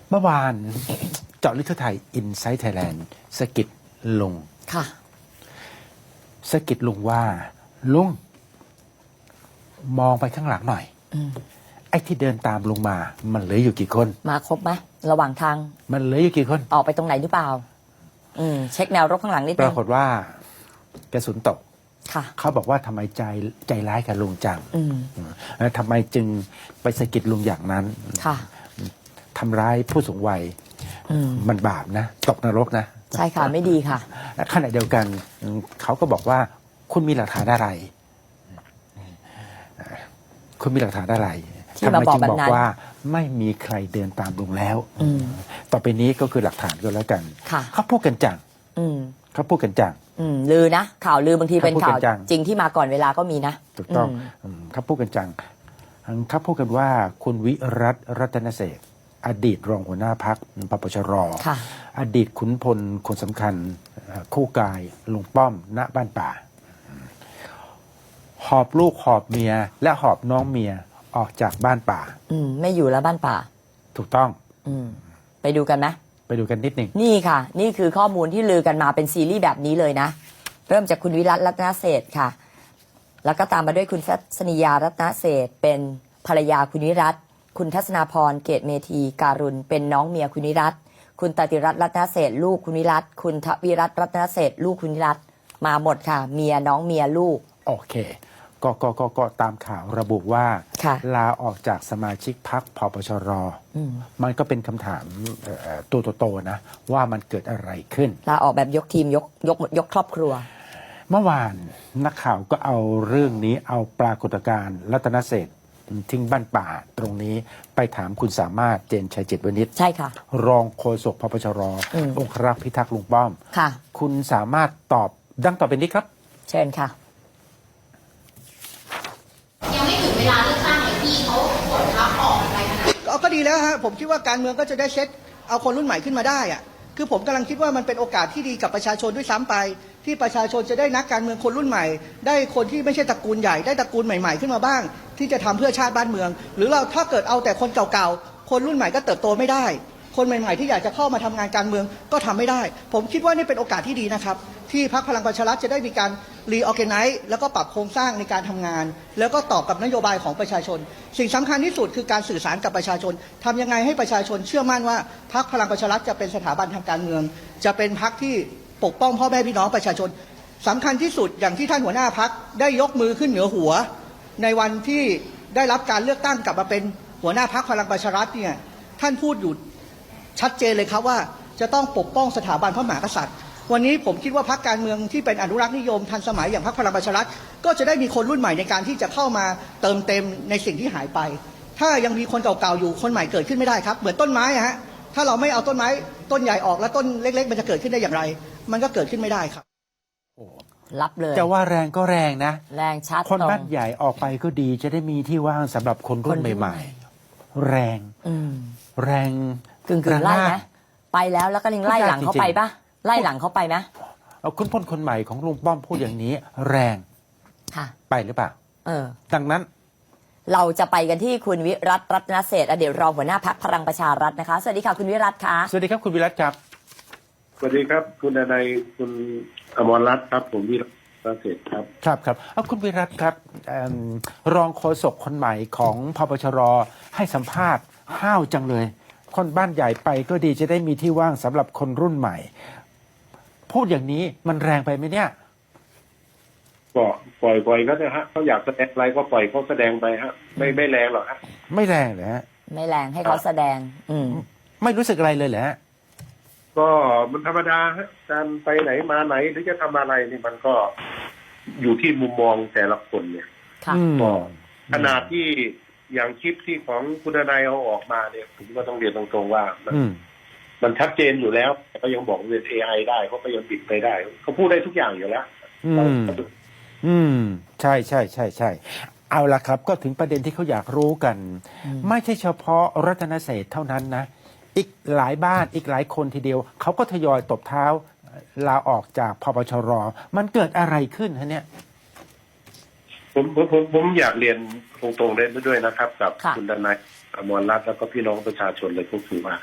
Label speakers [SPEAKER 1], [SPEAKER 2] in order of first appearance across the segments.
[SPEAKER 1] เมื่อวานเจาะลึกทั่วไทยอินไซต์ไทยแลนด์สะกิดลุง
[SPEAKER 2] ค่ะ
[SPEAKER 1] สะกิดลุงว่าลุงมองไปข้างหลังหน่อยไอ้ที่เดินตามลุงมามันเหลืออยู่กี่คน
[SPEAKER 2] มาครบไหมระหว่างทาง
[SPEAKER 1] มันเหลืออยู่กี่คน
[SPEAKER 2] ออกไปตรงไหนหรือเปล่า เช็คแนวรบข้างหลังนิด
[SPEAKER 1] ป
[SPEAKER 2] นึ
[SPEAKER 1] ราง กฏว่ากระสุนตก
[SPEAKER 2] ค่ะ
[SPEAKER 1] เขาบอกว่าทำไมใจร้ายกับลุงจัง แล้วทำไมจึงไปสะกิดลุงอย่างนั้น
[SPEAKER 2] ค่ะ
[SPEAKER 1] ทำร้ายผู้สูงวัยมันบาปนะตกนรกนะ
[SPEAKER 2] ใช่ค่ะ ไม่ดีค่ะ
[SPEAKER 1] ขณะเดียวกันเขาก็บอกว่าคุณมีหลักฐานอะไร คุณมีหลักฐานอะไร
[SPEAKER 2] ที่
[SPEAKER 1] ทำไม
[SPEAKER 2] มาบอก
[SPEAKER 1] จึง
[SPEAKER 2] แบบ
[SPEAKER 1] บอก
[SPEAKER 2] นั้น
[SPEAKER 1] ว่าไม่มีใครเดินตามลุงแล้ว ต่อไปนี้ก็คือหลักฐานก็แล้วกัน
[SPEAKER 2] ค่ะ
[SPEAKER 1] เขาพูดกันจัง
[SPEAKER 2] อืม
[SPEAKER 1] เขาพูดกันจัง
[SPEAKER 2] ลือนะ ข่าวลือบางทีเป็น
[SPEAKER 1] เขาพูด
[SPEAKER 2] ข่าว
[SPEAKER 1] กันจัง
[SPEAKER 2] จริงที่มาก่อนเวลาก็มีนะ
[SPEAKER 1] ถูกต้องเขาพูดกันจังเขาพูดกันว่าคุณวิรัตรัตนเศรษฐ์อดีตรองหัวหน้าพักปปชร
[SPEAKER 2] ค่ะ
[SPEAKER 1] อดีตขุนพลคนสำคัญคู่กายลุงป้อมณบ้านป่า หอบลูกหอบเมียและหอบน้องเมียออกจากบ้านป่า
[SPEAKER 2] ไม่อยู่แล้วบ้านป่า
[SPEAKER 1] ถูกต้อง
[SPEAKER 2] ไปดูกันไหม
[SPEAKER 1] ไปดูกันนิดหนึ่ง
[SPEAKER 2] นี่ค่ะ นี่คือข้อมูลที่ลือกันมาเป็นซีรีส์แบบนี้เลยนะ เริ่มจากคุณวิรัตรัตนเศรษฐ์ค่ะ แล้วก็ตามมาด้วยคุณทัศนียารัตนเศรษฐ์เป็นภรรยาคุณวิรัตคุณทัศนาพรเกตเมธีการุณเป็นน้องเมียคุณวิรัตคุณตติรัตน์รัตนเศรษฐ์ลูกคุณวิรัตคุณทวิรัตน์รัตนเศรษฐ์ลูกคุณวิรัตมาหมดค่ะ เมียน้องเมียลูก
[SPEAKER 1] โอเคก็ตามข่าวระบุว่า
[SPEAKER 2] ค่ะ
[SPEAKER 1] ลาออกจากสมาชิกพรรคพปชร มันก็เป็นคำถามตัวโตๆนะ ว่ามันเกิดอะไรขึ้น
[SPEAKER 2] ลาออกแบบยกทีมยกครอบครัว
[SPEAKER 1] เมื่อวานนักข่าวก็เอาเรื่องนี้เอาปรากฏการณ์รัตนเศรษฐ์ทิ้งบ้านป่าตรงนี้ไปถามคุณสามารถเจนชัยจิตวณิช
[SPEAKER 2] ใช่ค่ะ
[SPEAKER 1] รองโฆษกพปชรองครักษ์พิทักษ์ลุงป้อม
[SPEAKER 2] ค่ะ
[SPEAKER 1] คุณสามารถตอบดังต่อไปนี้ครับ
[SPEAKER 2] เชิญค่ะ
[SPEAKER 3] ยังไม่ถึงเวลาเลือกตั้งเลยพี่เขากดทับออกอะไรขนาดนั้น
[SPEAKER 4] ก็ดีแล้วฮะผมคิดว่าการเมืองก็จะได้เช็ดเอาคนรุ่นใหม่ขึ้นมาได้อะคือผมกำลังคิดว่ามันเป็นโอกาสที่ดีกับประชาชนด้วยซ้ำไป ที่ประชาชนจะได้นักการเมืองคนรุ่นใหม่ ได้คนที่ไม่ใช่ตระกูลใหญ่ได้ตระกูลใหม่ๆขึ้นมาบ้าง ที่จะทำเพื่อชาติบ้านเมือง หรือเราถ้าเกิดเอาแต่คนเก่าๆคนรุ่นใหม่ก็เติบโตไม่ได้ คนใหม่ๆที่อยากจะเข้ามาทำงานการเมืองก็ทำไม่ได้ ผมคิดว่านี่เป็นโอกาสที่ดีนะครับที่พรรคพลังประชารัฐจะได้มีการรีออแกไนซ์แล้วก็ปรับโครงสร้างในการทำงาน แล้วก็ตอบกับนโยบายของประชาชน สิ่งสำคัญที่สุดคือการสื่อสารกับประชาชนทำยังไงให้ประชาชนเชื่อมั่นว่าพรรคพลังประชารัฐจะเป็นสถาบันทางการเมือง จะเป็นพรรคที่ปกป้องพ่อแม่พี่น้องประชาชนสำคัญที่สุดอย่างที่ท่านหัวหน้าพรรคได้ยกมือขึ้นเหนือหัว ในวันที่ได้รับการเลือกตั้งกลับมาเป็นหัวหน้าพรรคพลังประชารัฐเนี่ยท่านพูดอยู่ชัดเจนเลยครับว่าจะต้องปกป้องสถาบันพระมหากษัตริย์วันนี้ผมคิดว่าพรรคการเมืองที่เป็นอนุรักษ์นิยมทันสมัยอย่างพรรคพลังประชารัฐก็จะได้มีคนรุ่นใหม่ในการที่จะเข้ามาเติมเต็มในสิ่งที่หายไป ถ้ายังมีคนเก่าๆอยู่คนใหม่เกิดขึ้นไม่ได้ครับเหมือนต้นไม้อะฮะถ้าเราไม่เอาต้นไม้ต้นใหญ่ออกแล้วต้นเล็กๆมันจะเกิดขึ้นได้อย่างไร มันก็เกิดขึ้นไม่ได้ครับ
[SPEAKER 2] รับเลย
[SPEAKER 1] จะว่าแรงก็แรงนะ
[SPEAKER 2] แรงชัด
[SPEAKER 1] คน
[SPEAKER 2] ตรง
[SPEAKER 1] บ้านใหญ่ออกไปก็ดีจะได้มีที่ว่างสำหรับคนรุ่น
[SPEAKER 2] คนรุ่น
[SPEAKER 1] ใหม่ ๆ แรง แรง
[SPEAKER 2] กึ่งไล่ไหมไปแล้วก็ยังไล่หลังเขาไปปะไล่หลังเขาไปไหม
[SPEAKER 1] เอาคุณพลคนใหม่ของลุงป้อมพูดอย่างนี้ แรง
[SPEAKER 2] ค่ะ
[SPEAKER 1] ไปหรือเปล่า ดังนั้น
[SPEAKER 2] เราจะไปกันที่คุณวิรัตรัตนเศรษฐ์อดีตรองหัวหน้าพรรคพลังประชารัฐนะคะ สวัสดีค่ะคุณวิรัตค่ะ
[SPEAKER 1] สวัสดีครับคุณวิรัตครับ
[SPEAKER 5] สวัสดีครับคุณนายคุณอมรรัตน์ครับผมวิรัตน์เศรษฐ์ครับ
[SPEAKER 1] ครับเอาคุณวิรัตครับรองโฆษกคนใหม่ของพปชรให้สัมภาษณ์ห้าวจังเลย คนบ้านใหญ่ไปก็ดีจะได้มีที่ว่างสำหรับคนรุ่นใหม่ พูดอย่างนี้มันแรงไปไหมเนี่ย
[SPEAKER 5] ก็ปล่อยก็ได้ฮะเขาอยากแสดงอะไรก็ปล่อยเขาแสดงไปฮะไม่แรงหรอกฮะ
[SPEAKER 1] ไม่แรงเหรอฮะ
[SPEAKER 2] ไม่แรงให้เขาแสดง
[SPEAKER 1] ไม่รู้สึกอะไรเลยเหรอฮะ
[SPEAKER 5] ก็มันธรรมดาฮะการไปไหนมาไหนหรือจะทำอะไรนี่มันก็อยู่ที่มุมมองแต่ละคนเนี่ย
[SPEAKER 2] ค่ะ
[SPEAKER 5] ก็ขนาดที่อย่างคลิปที่ของคุณนายเอาออกมาเนี่ยผมก็ต้องเรียนตรงๆว่ามันชัดเจนอยู่แล้วแต่ก็ยังบอกเป็น AI ได้เขาก็ยังบิดไปได้เขาพูดได้ทุกอย่างอยู่แล้ว
[SPEAKER 1] ใช่เอาละครับก็ถึงประเด็นที่เขาอยากรู้กัน ไม่ใช่เฉพาะรัตนเศรษฐ์เท่านั้นนะอีกหลายบ้านอีกหลายคนทีเดียวเขาก็ทยอยตบเท้าลาออกจากพปชรมันเกิดอะไรขึ้นฮะเนี่ย
[SPEAKER 5] ผมอยากเรียนตรงๆได้ด้วยนะครับ กับ
[SPEAKER 2] ค่ะ
[SPEAKER 5] คุณดนายอมรรัตน์แล้วก็พี่น้องประชาชนเลยก็คือว่า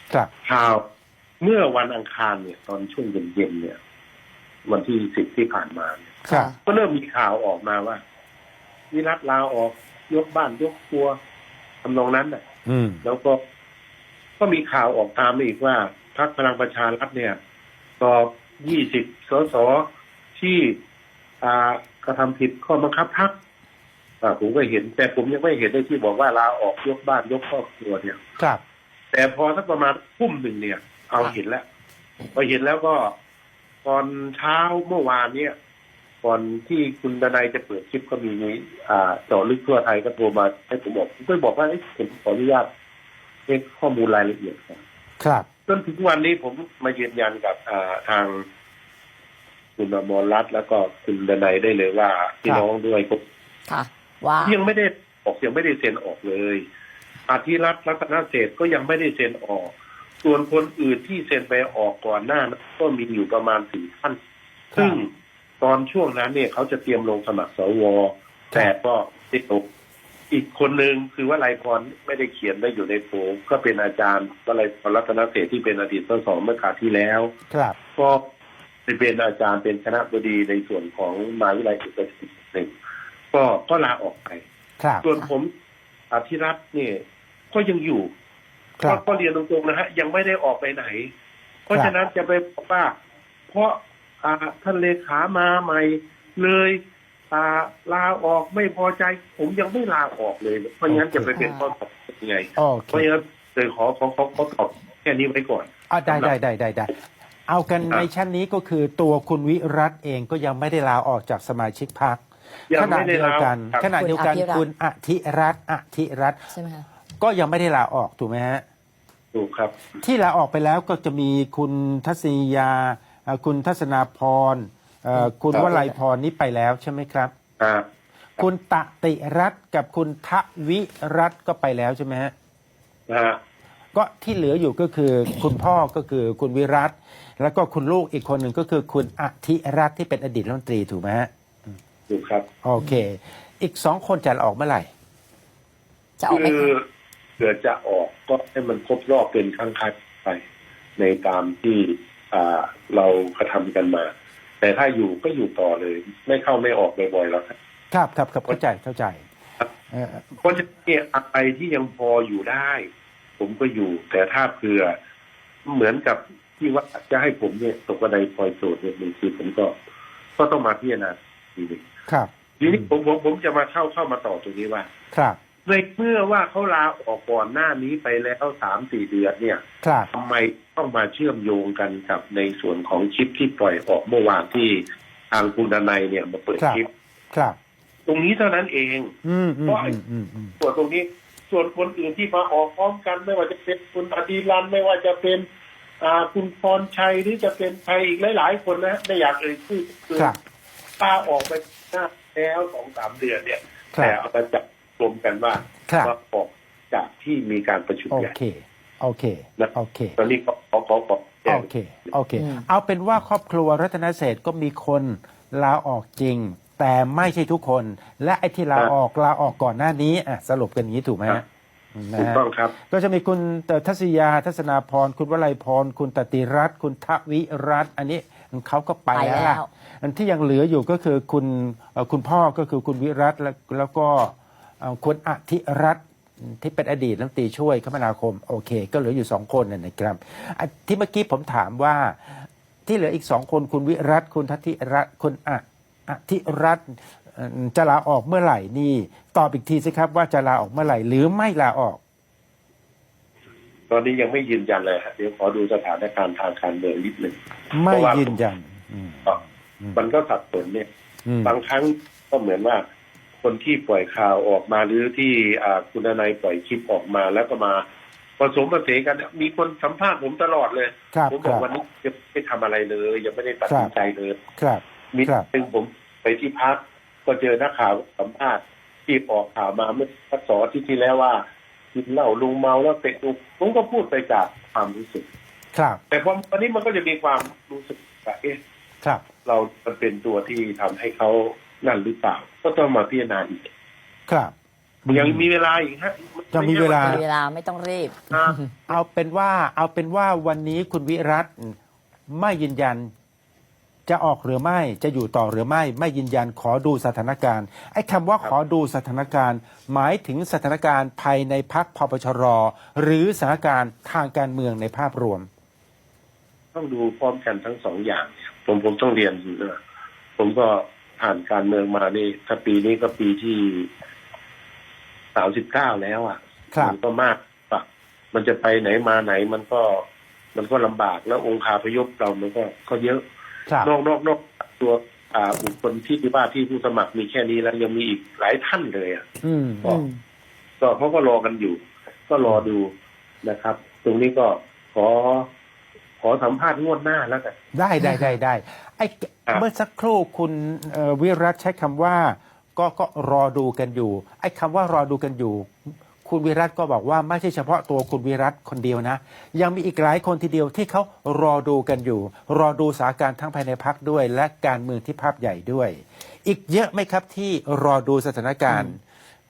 [SPEAKER 1] ครับ
[SPEAKER 5] ข่าวเมื่อวันอังคารเนี่ยตอนช่วงเย็นๆเนี่ย วันที่10ที่ผ่านมาเนี่ย
[SPEAKER 1] ครับ
[SPEAKER 5] ก็เริ่มมีข่าวออกมาว่าวิรัตลาออกยกบ้านยกครัวทำนองนั้นน่ะ
[SPEAKER 1] อืม
[SPEAKER 5] แล้วก็มีข่าวออกตามมาอีกว่าพรรคพลังประชารัฐเนี่ยสอบ20 สสที่กระทำผิดข้อบังคับพรรคผมก็เห็น แต่ผมยังไม่เห็นได้ที่บอกว่าลาออกยกบ้านยกครอบครัวเนี่ย
[SPEAKER 1] ครับ
[SPEAKER 5] แต่พอสักประมาณทุ่มหนึ่งเนี่ย เอาเห็นแล้วพอเห็นแล้วก็ตอนเช้าเมื่อวานเนี่ยก่อนที่คุณดนัยจะเปิดคลิปก็มีเจาะลึกทั่วไทยก็โทรมาให้ผมก็บอกว่าผมขออนุญาตเช็คข้อมูลรายละเอียดครับ
[SPEAKER 1] ครับ
[SPEAKER 5] จนถึงวันนี้ผมมายืนยันกับทางคุณอมรรัตน์แล้วก็คุณดนัยได้เลยว่าพี่น้องด้วยก็
[SPEAKER 2] ค่ะ ว่า
[SPEAKER 5] ยังไม่ได้ยังไม่ได้เซ็นออกเลยอาทิรัตน์รัตนเศรษฐ์ก็ยังไม่ได้เซ็นออก ส่วนคนอื่นที่เซ็นไปออกก่อนหน้านั้นก็มีอยู่ประมาณ4 ท่าน ซึ่งตอนช่วงนั้นเนี่ยเขาจะเตรียมลงสมัครสวแต่ก็ติดตกอีกคนหนึ่งคือว่าไลพรไม่ได้เขียนได้อยู่ในโผก็เป็นอาจารย์วลัยพรรัตนเศรษฐ์ที่เป็นอดีตสสเมื่อคราวที่แล้ว
[SPEAKER 1] ครับ
[SPEAKER 5] ก็เป็นอาจารย์เป็นคณะบดีในส่วนของมหาวิทยาลัยเอกชนหนึ่งก็ลาออกไป
[SPEAKER 1] ครับ
[SPEAKER 5] ส่วนผมอธิรัตน์เนี่ยก็ยังอยู่
[SPEAKER 1] ครับ
[SPEAKER 5] ก็เรียนตรงๆนะฮะยังไม่ได้ออกไปไหน เพราะฉะนั้นจะไปบอกว่าเพราะท่านเลขามาใหม่เลยลาออกไม่พอใจ ผมยังไม่ลาออกเลย เพราะงั้นจะไปเป็นข้อตอบยังไง
[SPEAKER 1] โอเค
[SPEAKER 5] เพราะงั้นเลยขอตอบแค่นี้ไว้ก่อน
[SPEAKER 1] ได้เอากันในชั้นนี้ก็คือตัวคุณวิรัตเองก็ยังไม่ได้ลาออกจากสมาชิกพรรค
[SPEAKER 5] ยัง
[SPEAKER 1] ขณะ
[SPEAKER 5] ไม่ได้
[SPEAKER 1] เดียว
[SPEAKER 5] ลา
[SPEAKER 1] กัน
[SPEAKER 5] ครับ
[SPEAKER 1] ขณะเดียวกันคุณอธิรัตน์
[SPEAKER 2] ใช่ไหมคะ
[SPEAKER 1] ก็ยังไม่ได้ลาออกถูกไหมฮะ
[SPEAKER 5] ถูกครับ
[SPEAKER 1] ที่ลาออกไปแล้วก็จะมีคุณทัศนียาคุณทัศนาพรคุณ
[SPEAKER 5] ครับ
[SPEAKER 1] วลัยพรนี้ไปแล้วใช่ไหมครับ
[SPEAKER 5] อ่า
[SPEAKER 1] คุณตติรัตน์กับคุณทวิรัตน์ก็ไปแล้วใช่ไหมฮะ
[SPEAKER 5] นะฮะ
[SPEAKER 1] ก็ที่เหลืออยู่ก็คือคุณพ่อก็คือคุณวิรัตน์แล้วก็คุณลูกอีกคนหนึ่งก็คือคุณอธิรัตน์ที่เป็นอดีตรัฐมนตรีถูกไหมฮะ
[SPEAKER 5] ถูกครับ
[SPEAKER 1] โอเค อีก2 คนจะออกเมื่อไหร่
[SPEAKER 2] จะออกไหม
[SPEAKER 5] คือ
[SPEAKER 2] คะ
[SPEAKER 5] เกิดจะออกก็ให้มันครบรอบเป็นครั้งคัดไปในตามที่เรากระทำกันมา แต่ถ้าอยู่ก็อยู่ต่อเลย ไม่เข้าไม่ออกบ่อยๆแล้วครับ
[SPEAKER 1] ครับเข้าใจ
[SPEAKER 5] เพราะฉะนั้นเนี่ยอะไรที่ยังพออยู่ได้ ผมก็อยู่ แต่ถ้าเผื่อเหมือนกับที่ว่าจะให้ผมเนี่ยตกกระไดพลอยโจทย์เนี่ยบางทีผมก็ต้องมาพิจารณาทีนึง
[SPEAKER 1] ครับ
[SPEAKER 5] ทีนี้ผมจะมาเข้ามาต่อตรงนี้ว่า
[SPEAKER 1] ครับ
[SPEAKER 5] ในเมื่อว่าเขาลาออกก่อนหน้านี้ไปแล้ว3-4 เดือนเนี่ย
[SPEAKER 1] ครับ
[SPEAKER 5] ทำไมต้องมาเชื่อมโยงกันกับในส่วนของคลิปที่ปล่อยออกเมื่อวานที่ทางคุณดนัยเนี่ยมาเปิดคลิป
[SPEAKER 1] ครับ
[SPEAKER 5] ตรงนี้เท่านั้นเอง เพราะ ส่วนตรงนี้ส่วนคนอื่นที่มาออกพร้อมกันไม่ว่าจะเป็นคุณอดีรันไม่ว่าจะเป็นคุณพรชัยหรือจะเป็นใครอีกหลายๆคนนะไม่อยากชื่อคือ
[SPEAKER 1] ครับ
[SPEAKER 5] ลาออกไปหน้าแล้ว2-3 เดือนเนี่ย
[SPEAKER 1] ครับ
[SPEAKER 5] แต่เอามาจับรวมกันว่า
[SPEAKER 1] ครับ
[SPEAKER 5] ว่าออกจากที่มีการประชุม
[SPEAKER 1] โอ
[SPEAKER 5] ใหญ่
[SPEAKER 1] เค
[SPEAKER 5] ตอนนี้ขอแจ้ง
[SPEAKER 1] โอเค เอาเป็นว่าครอบครัวรัตนเศรษฐ์ก็มีคนลาออกจริง แต่ไม่ใช่ทุกคน และไอ้ที่ลาออกก่อนหน้านี้สรุปกันอย่างนี้ถูกไหมฮะนะ
[SPEAKER 5] ถูก
[SPEAKER 1] ฮะ
[SPEAKER 5] ต้องครับ
[SPEAKER 1] ก็จะมีคุณทัศยาทัศนาพรคุณวลัยพรคุณตติรัตน์คุณทวิรัตน์อันนี้เขาก็ไปแล้วล่ะอันที่ยังเหลืออยู่ก็คือคุณพ่อก็คือคุณวิรัตน์แล้วก็คุณอธิรัตน์ที่เป็นอดีตรัฐมนตรีช่วยคมนาคมโอเค ก็เหลืออยู่2 คนนะครับที่เมื่อกี้ผมถามว่าที่เหลืออีก2 คนคุณวิรัตน์คุณทัติรัตน์คุณอธิรัตน์จะลาออกเมื่อไหร่นี่ตอบอีกทีสิครับว่าจะลาออกเมื่อไหร่หรือไม่ลาออก
[SPEAKER 5] ตอนนี้ยังไม่ยืนยันเลยฮะเดี๋ยวขอดูสถานการณ์ทางการเมืองนิดหนึ่ง
[SPEAKER 1] ไม่ยืนยัน
[SPEAKER 5] มันก็สับสนเนี่ย บางครั้งก็เหมือนว่าคนที่ปล่อยข่าวออกมาหรือที่คุณนายปล่อยคลิปออกมาแล้วก็มาผสมผสานกันมีคนสัมภาษณ์ผมตลอดเลย
[SPEAKER 1] ครับ
[SPEAKER 5] ผมบอกวันนี้ยังไม่ทำอะไรเลยยังไม่ได้ตัดสินใจเลย
[SPEAKER 1] ครับ
[SPEAKER 5] มีซึ่งผมไปที่พักก็เจอนักข่าวสัมภาษณ์ที่ออกข่าวมาเมื่อสัก2 อาทิตย์ที่แล้วว่ากินเหล้าลุงเมาแล้วเตะลุงผมก็พูดไปจากความรู้สึก
[SPEAKER 1] ครับ
[SPEAKER 5] แต่พอวันนี้มันก็จะมีความรู้สึกว่า
[SPEAKER 1] ครับ
[SPEAKER 5] เรามันเป็นตัวที่ทำให้เขานั่นหรือเปล่าก็ต้องมาพิจารณาอีก
[SPEAKER 1] ครับ
[SPEAKER 5] ยังมีเวลาอีกฮะ
[SPEAKER 1] ยังมีเวลา
[SPEAKER 2] มีเวลาไม่ต้องรีบ
[SPEAKER 5] อ่า
[SPEAKER 1] เอาเป็นว่าวันนี้คุณวิรัตไม่ยืนยันจะออกหรือไม่จะอยู่ต่อหรือไม่ยืนยันขอดูสถานการณ์ไอ้คำว่าขอดูสถานการณ์ หมายถึงสถานการณ์ภายในพรรคพปชรหรือสถานการณ์ทางการเมืองในภาพรวม
[SPEAKER 5] ต้องดูพร้อมกันทั้งสองอย่าง ผมต้องเรียนนะผมก็ผ่านการเมืองมานี่ถ้าปีนี้ก็ปีที่39แล้วอ่ะ
[SPEAKER 1] ครับ
[SPEAKER 5] มันก็มากปะมันจะไปไหนมาไหนมันก็ลำบากแล้วองค์คาพยพเรามันก็เยอะ
[SPEAKER 1] ครับ
[SPEAKER 5] นอกตัวบุคคลที่ว่าที่ผู้สมัครมีแค่นี้แล้วยังมีอีกหลายท่านเลยอ่ะ
[SPEAKER 1] อืม
[SPEAKER 5] ก็เขาก็รอกันอยู่ ก็รอดูนะครับ ตรงนี้ก็ขอสัมภาษณ์งวดหน้าแล้วกัน
[SPEAKER 1] ได้ไอ้
[SPEAKER 5] ครับ
[SPEAKER 1] เมื่อสักครู่คุณวิรัตใช้คำว่าก็รอดูกันอยู่ ไอ้คำว่ารอดูกันอยู่ คุณวิรัตก็บอกว่าไม่ใช่เฉพาะตัวคุณวิรัตคนเดียวนะ ยังมีอีกหลายคนทีเดียวที่เขารอดูกันอยู่ รอดูสถานการณ์ทั้งภายในพรรคด้วย และการเมืองที่ภาพใหญ่ด้วย อีกเยอะไหมครับที่รอดูสถานการณ์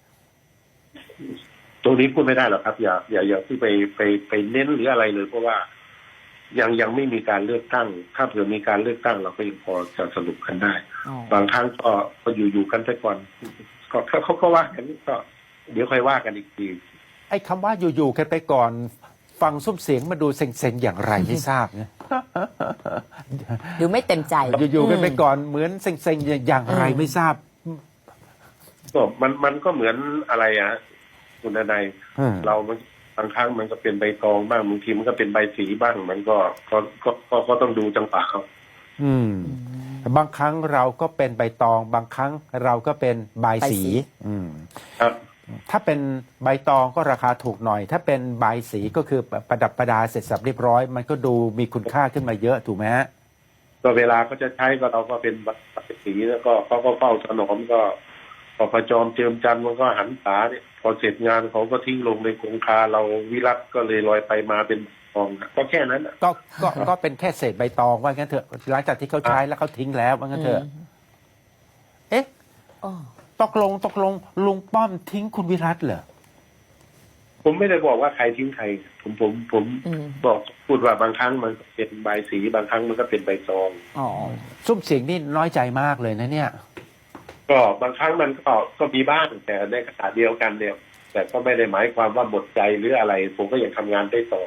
[SPEAKER 5] ตรงนี้พูดไม่ได้หรอกครับ อย่าที่ไปเน้นหรืออะไรเลย เพราะว่ายังไม่มีการเลือกตั้ง ถ้าเผื่อมีการเลือกตั้งเราก็ยังพอจะสรุปกันได้
[SPEAKER 2] อ๋อ
[SPEAKER 5] บางครั้งก็อยู่กันไปก่อนก็เขาก็ว่ากันก็เดี๋ยวค่อยว่ากันอีกที
[SPEAKER 1] ไอ้คำว่าอยู่ๆกันไปก่อน ฟังซุ้มเสียงมาดูเซ็งๆอย่างไรไม่ทราบนะ
[SPEAKER 2] ดูไม่เต็มใจ
[SPEAKER 1] อยู่ๆกันไปก่อนเหมือนเซ็งๆอย่างไรไม่ทราบ
[SPEAKER 5] ก็มันก็เหมือนอะไรอ่ะคุณนาย เรามันบางครั้งมันก็เป็นใบตองบ้างบางทีมันก็เป็นใบสีบ้าง มันก็ต้องดูจังหวะเขา
[SPEAKER 1] บางครั้งเราก็เป็นใบตอง บางครั้งเราก็เป็นใบายสี
[SPEAKER 5] ครับ
[SPEAKER 1] ถ้าเป็นใบตองก็ราคาถูกหน่อย ถ้าเป็นใบายสีก็คือประดับประดาเสร็จสับเรียบร้อย มันก็ดูมีคุณค่าขึ้นมาเยอะถูกไหมฮะ
[SPEAKER 5] ก็เวลาเขาจะใช้ก็เราก็เป็นใบสีแล้วก็เขาก็เฝ้าถนอมก็พอพจอมเจิมจันทร์มันก็หันษาเนี่ยพอเสร็จงานเขาก็ทิ้งลงในคงคาเราวิรัตก็เลยลอยไปมาเป็นทองก็แค่นั้นน่ะ
[SPEAKER 1] ก็เป็นแค่เศษใบตองว่างั้นเถอะหลังจากที่เขาใช้แล้วเขาทิ้งแล้วว่างั้นเถอะ เอ๊ะ
[SPEAKER 2] อ๋อ
[SPEAKER 1] ตกลงลุงป้อมทิ้งคุณวิรัตเหรอ
[SPEAKER 5] ผมไม่ได้บอกว่าใครทิ้งใคร ผมบอกพูดว่าบางครั้งมันเป็นใบสีบางครั้งมันก็เป็นใบตอง
[SPEAKER 2] อ๋อ
[SPEAKER 1] ซุ้มเสียงนี่น้อยใจมากเลยนะเนี่ย
[SPEAKER 5] ก็บางครั้งมันก็มีบ้างแต่ในขณะเดียวกันเนี่ย แต่ก็ไม่ได้หมายความว่าหมดใจหรืออะไร ผมก็ยังทำงานได้ต่อ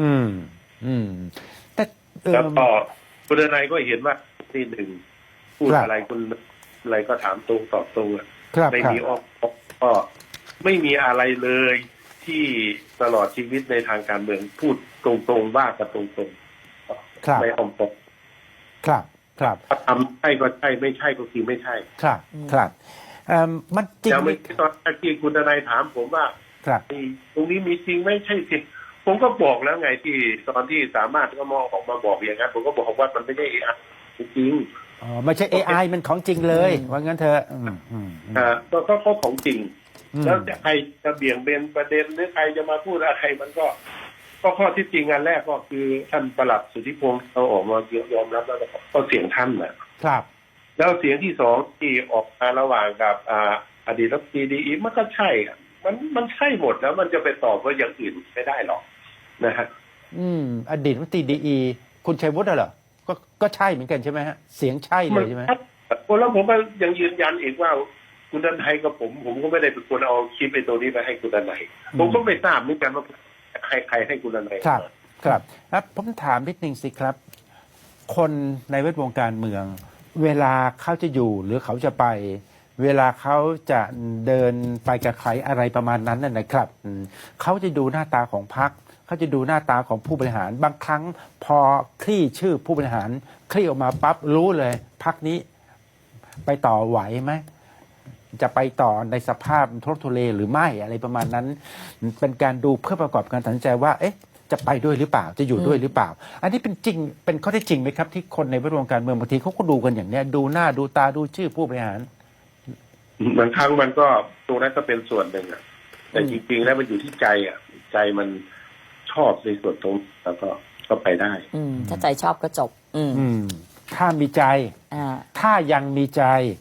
[SPEAKER 1] แต่
[SPEAKER 5] แล้วก็คุณนายก็เห็นว่าที่หนึ่งพูดอะไรคุณอะไรก็ถามตรงตอบตรงอ่ะ
[SPEAKER 1] ครับ
[SPEAKER 5] ไม่มีออกก็ไม่มีอะไรเลยที่ตลอดชีวิตในทางการเมืองพูดตรงๆว่ากันตรงๆไม่อ้อมค้อม
[SPEAKER 1] ครับ
[SPEAKER 5] ทำใช่ก็ใช่ไม่ใช่ก็คือไม่ใช่
[SPEAKER 1] ครับมันจริง
[SPEAKER 5] แต่
[SPEAKER 1] ไหม
[SPEAKER 5] ไม่ตอนที่คุณนายถามผมว่า
[SPEAKER 1] ครับ
[SPEAKER 5] ตรงนี้มีจริงไม่ใช่จริงผมก็บอกแล้วไงที่ตอนที่สามารถก็ออกมาบอกอย่างนั้นผมก็บอกว่ามันไม่ใช่จริง
[SPEAKER 1] อ๋อไม่ใช่ AI มันของจริงเลยว่างั้นเถอะ
[SPEAKER 5] ก็ของจริง แล้วจะใครจะเบี่ยงเบนประเด็นหรือใครจะมาพูดอะไรมันก็ข้อที่จริงอันแรกก็คือท่านปลัดสุทธิพงศ์เราออกมายอมรับแล้วก็เสียงท่านนะครับ แล้วเสียงที่สองที่ออกมาระหว่างกับอดีตรัฐมนตรีดีมันก็ใช่มันใช่หมดแล้วมันจะไปตอบว่าอย่างอื่นไม่ได้หรอกนะฮะ
[SPEAKER 1] อดีตรัฐมนตรีดีคุณชัยวุฒิเหรอก็ใช่เหมือนกันใช่ไหมฮะเสียงใช่เลยใช่ไหม
[SPEAKER 5] แล้วผมก็ยังยืนยันอีกว่าคุณดันไทยกับผมก็ไม่ได้เป็นคนเอาคลิปไอ้ตัวนี้ไปให้คุณดันไทยผมก็ไม่ทราบเหมือนกันว่าใครให้คุณดันไทย
[SPEAKER 1] ครับผมถามนิดนึงสิครับ คนในแวดวงการเมือง เวลาเขาจะอยู่หรือเขาจะไป เวลาเขาจะเดินไปกับใครอะไรประมาณนั้นนะครับเขาจะดูหน้าตาของพรรคเขาจะดูหน้าตาของผู้บริหารบางครั้งพอคลี่ชื่อผู้บริหารคลี่ออกมาปั๊บรู้เลยพรรคนี้ไปต่อไหวไหมจะไปต่อในสภาพทุรนทุเรหรือไม่อะไรประมาณนั้น เป็นการดูเพื่อประกอบการตัดสินใจว่าเอ๊ะจะไปด้วยหรือเปล่าจะอยู่ด้วยหรือเปล่า อันนี้เป็นจริงเป็นข้อเท็จจริงไหมครับที่คนในแวดวงการเมืองบางทีเขาก็ดูกันอย่างเนี้ยดูหน้าดูตาดูชื่อผู้บริหาร
[SPEAKER 5] บางครั้งมันก็ตรงนั้นก็เป็นส่วนหนึ่งแต่จริงๆแล้วมันอยู่ที่ใจใจมันชอบในส่วนตรงแล้วก็ไปได้
[SPEAKER 2] ถ้าใจชอบก็จบ
[SPEAKER 1] ถ้ามีใจ ถ้ายังมีใจ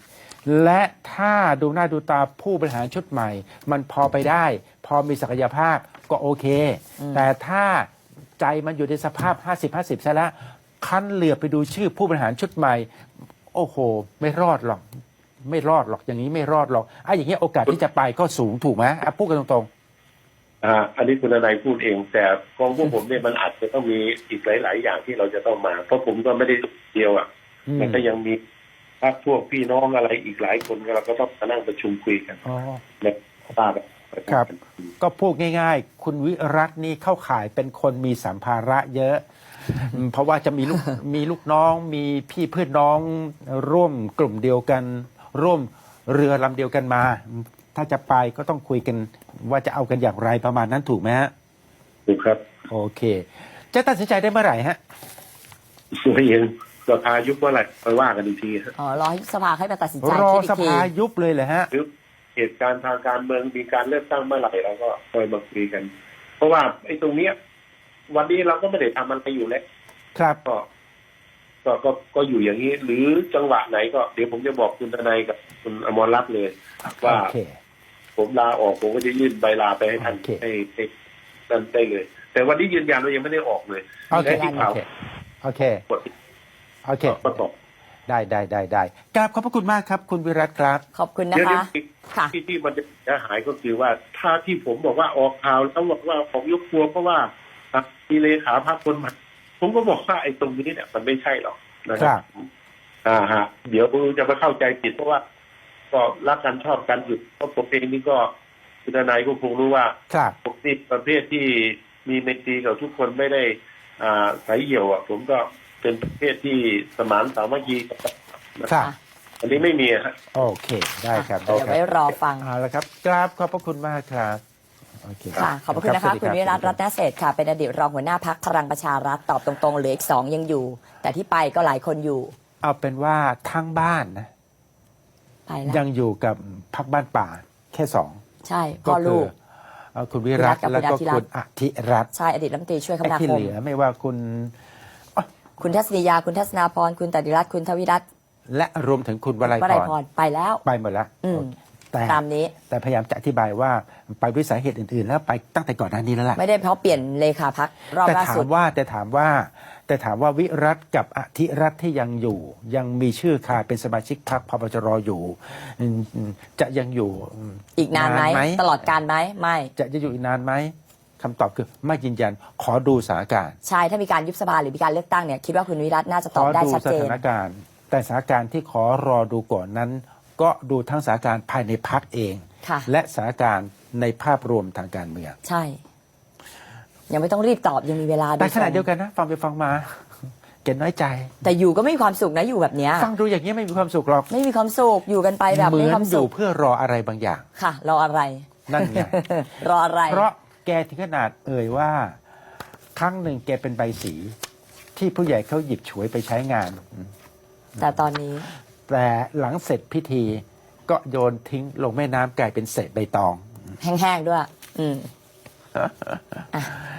[SPEAKER 1] และถ้าดูหน้าดูตาผู้บริหารชุดใหม่ มันพอไปได้ พอมีศักยภาพก็โอเค แต่ถ้าใจมันอยู่ในสภาพ 50-50 ซะแล้วคันเหลือบไปดูชื่อผู้บริหารชุดใหม่ โอ้โห ไม่รอดหรอก ไม่รอดหรอกอย่างนี้ไม่รอดหรอกอย่างนี้โอกาสที่จะไปก็สูงถูกไหมพูดกันตรง
[SPEAKER 5] อันนี้คุณนายพูดเอง แต่กองพวกผมเนี่ยมันอาจจะต้องมีอีกหลาย ๆ อย่างที่เราจะต้องมา เพราะผมก็ไม่ได้เดียวมันก็ยังมีพรรคพวกพี่น้องอะไรอีกหลายคนเราก็ต้องมานั่งประชุมคุยกัน
[SPEAKER 1] อ๋อ
[SPEAKER 5] ในบ้าน
[SPEAKER 1] ครับ ก็พูดง่าย ๆ คุณวิรัตนี่เข้าข่ายเป็นคนมีสัมภาระเยอะเพราะว่าจะมีลูก มีลูกน้องมีพี่เพื่อนน้องร่วมกลุ่มเดียวกัน ร่วมเรือลำเดียวกันมา ถ้าจะไปก็ต้องคุยกันว่าจะเอากันอย่างไรประมาณนั้นถูกไหมฮะ
[SPEAKER 5] ถูกครับ
[SPEAKER 1] โอเค จะตัดสินใจได้เมื่อไหร่ฮะ
[SPEAKER 5] ไม่ยังสภายุบเมื่อไหร่ไปว่ากันอีกทีครับ
[SPEAKER 2] อ๋อรอให้สภาให้มาตัดสินใจ
[SPEAKER 1] รอ
[SPEAKER 2] คิดอี
[SPEAKER 1] ส
[SPEAKER 2] กที
[SPEAKER 1] ภายุบเลยเหรอฮะ
[SPEAKER 5] หรือเหตุการณ์ทางการเมืองมีการเลือกตั้งเมื่อไหร่เราก็คอยมาคุยกัน เพราะว่าไอ้ตรงเนี้ย วันนี้เราก็ไม่ได้ทำอะไรอยู่แล้ว
[SPEAKER 1] ครับ
[SPEAKER 5] ก็อยู่อย่างนี้ หรือจังหวะไหนก็เดี๋ยวผมจะบอกคุณทนายกับคุณอมรรัตน์เลย ว่า
[SPEAKER 1] โอเค
[SPEAKER 5] ผมลาออกผมก็จะยื่นใบลาไปให้ท่าน
[SPEAKER 1] โอเค
[SPEAKER 5] ให้นั่นได้เลย แต่วันนี้ยืนยันว่ายังไม่ได้ออกเลย
[SPEAKER 1] โอเค
[SPEAKER 5] และที่ข่าว
[SPEAKER 1] โอเค
[SPEAKER 5] กด
[SPEAKER 1] โอเค
[SPEAKER 5] ก็ตก
[SPEAKER 1] ได้กราบขอบพระคุณมากครับ คุณวิรัตครับ
[SPEAKER 2] ขอบคุณนะ
[SPEAKER 5] เดี๋ยว
[SPEAKER 2] คะ ค่ะ
[SPEAKER 5] ที่มันจะหายก็คือว่าถ้าที่ผมบอกว่าออกข่าวแล้วบอกว่าผมยกครัวเพราะว่ามีเลขาพรรคคนใหม่ผมก็บอกว่าไอ้ตรงนี้เนี่ยมันไม่ใช่หรอกนะค
[SPEAKER 1] ครั
[SPEAKER 5] รับ บเดี๋ยวจะมาเข้าใจผิดเพราะว่าก็รักกันชอบกันอยู่เพราะผมเองนี่ก็คุณนายก็คงรู้ว่า
[SPEAKER 1] ครับ
[SPEAKER 5] ผมนี่ประเภทที่มีไมตรีกับทุกคนไม่ได้สายเหี่ยวผมก็เป็นประเภทที่สมานสามัคคีกัน
[SPEAKER 1] ครับ
[SPEAKER 5] อันนี้ไม่มีฮะ
[SPEAKER 1] โอเค ได้ครับ
[SPEAKER 2] เดี๋ยวไว้รอฟัง
[SPEAKER 1] เอาละครับกราบขอบพระคุณมากครับโอเค
[SPEAKER 2] ค่ะ ขอบพระคุณนะคะ
[SPEAKER 1] สวัสดี
[SPEAKER 2] คุณวิรัต
[SPEAKER 1] บ
[SPEAKER 2] รัตนเศรษฐ์ค่ะ เป็นอดีตรองหัวหน้าพักพลังประชารัฐตอบตรงๆเหลืออีก 2 ยังอยู่ แต่ที่ไปก็หลายคนอยู่
[SPEAKER 1] เอาเป็นว่าทั้งบ้านนะ
[SPEAKER 2] ไปแล้ว
[SPEAKER 1] ยังอยู่กับพักบ้านป่าแค่สอง
[SPEAKER 2] ใช่
[SPEAKER 1] ก็
[SPEAKER 2] พ่อ
[SPEAKER 1] คื
[SPEAKER 2] ลู
[SPEAKER 1] อก คุณวิรัต
[SPEAKER 2] กับ
[SPEAKER 1] แล้วก็
[SPEAKER 2] คุณอาทิรัตน์
[SPEAKER 1] คุณอธิรัตน์
[SPEAKER 2] ใช่ อดีตรัฐมนตรีช่วยคม
[SPEAKER 1] ไอ้
[SPEAKER 2] นา
[SPEAKER 1] ที่
[SPEAKER 2] ค
[SPEAKER 1] เห
[SPEAKER 2] ม
[SPEAKER 1] ลือไม่ว่าคุณ
[SPEAKER 2] คุณทัศนียา คุณทัศนาพร คุณตติรัตน์คุณทวิรัตน์
[SPEAKER 1] และรวมถึงคุณวลัยว
[SPEAKER 2] ลัย
[SPEAKER 1] พ
[SPEAKER 2] พ
[SPEAKER 1] ร
[SPEAKER 2] ร ไปแล้ว
[SPEAKER 1] ไปหมดแล้ว
[SPEAKER 2] อืม
[SPEAKER 1] แต่
[SPEAKER 2] ตามนี้
[SPEAKER 1] แต่พยายามจะอธิบายว่าไปด้วยสาเหตุอื่นๆ แล้วไปตั้งแต่ก่อนหน้านี้แล้วล่ะ
[SPEAKER 2] ไม่ได้เพราะเปลี่ยนเลขาพักรอบ
[SPEAKER 1] แต่
[SPEAKER 2] ล่า
[SPEAKER 1] ถา
[SPEAKER 2] สุ
[SPEAKER 1] ม
[SPEAKER 2] ด
[SPEAKER 1] ว่าวิรัตกับอธิรัตน์ที่ยังอยู่ ยังมีชื่อคาเป็นสมาชิกพรรคพปชรอยู่จะยังอยู่
[SPEAKER 2] อีกนานไหม ตลอดการไหมไม่
[SPEAKER 1] จะอยู่อีกนานไหมคำตอบคือไม่ยืนยันขอดูสถานการณ์
[SPEAKER 2] ใช่ ถ้ามีการยุบสภาหรือมีการเลือกตั้งเนี่ยคิดว่าคุณวิรัตน่าจะ
[SPEAKER 1] ข
[SPEAKER 2] ตอบ
[SPEAKER 1] อ
[SPEAKER 2] ได้
[SPEAKER 1] ดู
[SPEAKER 2] ชัด
[SPEAKER 1] ส
[SPEAKER 2] เจน
[SPEAKER 1] ถานการณ์ แต่สถานการณ์ที่ขอรอดูก่อนนั้น ก็ดูทั้งสถานการณ์ภายในพรรคเอง
[SPEAKER 2] ค่ะ
[SPEAKER 1] และสถานการณ์ในภาพรวมทางการเมือง
[SPEAKER 2] ใช่ ยังไม่ต้องรีบตอบยังมีเวลา
[SPEAKER 1] แต่ขณะ
[SPEAKER 2] ทรง
[SPEAKER 1] เดียวกันนะฟังไปฟังมาเกณฑ์น้อยใจ
[SPEAKER 2] แต่อยู่ก็ไม่มีความสุขนะอยู่แบบเนี้ย
[SPEAKER 1] ฟังดูอย่างนี้ไม่มีความสุขหรอก
[SPEAKER 2] ไม่มีความสุขอยู่กันไปแบบ
[SPEAKER 1] เหมื
[SPEAKER 2] ไม่มี
[SPEAKER 1] อ
[SPEAKER 2] ความ
[SPEAKER 1] นอ
[SPEAKER 2] สุ
[SPEAKER 1] ยู่
[SPEAKER 2] ข
[SPEAKER 1] เพื่อรออะไรบางอย่าง
[SPEAKER 2] ค่ะรออะไร
[SPEAKER 1] นั่นไง
[SPEAKER 2] รออะไร
[SPEAKER 1] เพราะแกถึงขนาดเอ่ยว่า ครั้งหนึ่งแกเป็นใบสีที่ผู้ใหญ่เขาหยิบฉวยไปใช้งาน
[SPEAKER 2] แต่ตอนนี้
[SPEAKER 1] แต่หลังเสร็จพิธีก็โยนทิ้งลงแม่น้ำกลายเป็นเศษใบตอง
[SPEAKER 2] แห้งๆด้วย อืม